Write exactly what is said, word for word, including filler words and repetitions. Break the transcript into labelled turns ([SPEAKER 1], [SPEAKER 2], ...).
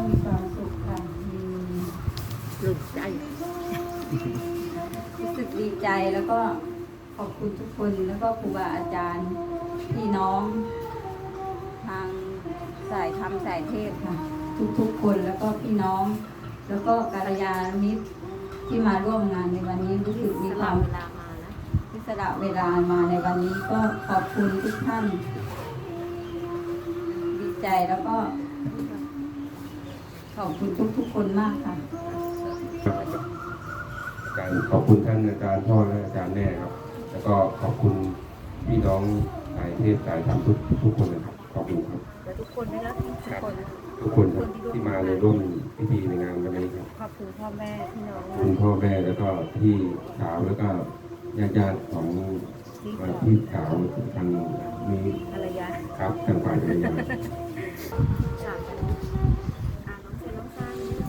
[SPEAKER 1] มีความสุขค่ะมีหลุดใจรู้สึกดีใจแล้วก็ขอบคุณทุกคนแล้วก็ครูบาอาจารย์พี่น้องทางสายธรรมสายเทศค่ะทุกๆคนแล้วก็พี่น้องแล้วก็กัลยาณมิตรที่มาร่วมงานในวันนี้รู้สึกมีความเวลามานะที่สละเวลามาในวันนี้ก็ขอบคุณทุกท่านดีใจแล้วก็ขอบคุณทุกๆคนมากค่ะ
[SPEAKER 2] การขอบคุณท่านอาจารย์พ่อและอาจารย์แม่ครับแล้วก็ขอบคุณพี่น้องสายเทศสายธรรมทุกทุกคนนะครับขอบคุณครับ
[SPEAKER 3] และทุกคนนะครับทุกคน
[SPEAKER 2] ทุกคนครับที่มาในร่วมพิธีในงานวันนี้ครับ
[SPEAKER 3] ขอบคุณพ่อแม่พี่น้อง
[SPEAKER 2] คุณพ่อแม่แล้วก็พี่สาวแล้วก็ญาติญาติของพี่สาวทางนี้
[SPEAKER 3] ภรรยา
[SPEAKER 2] ครับทางฝ่ายภรรยา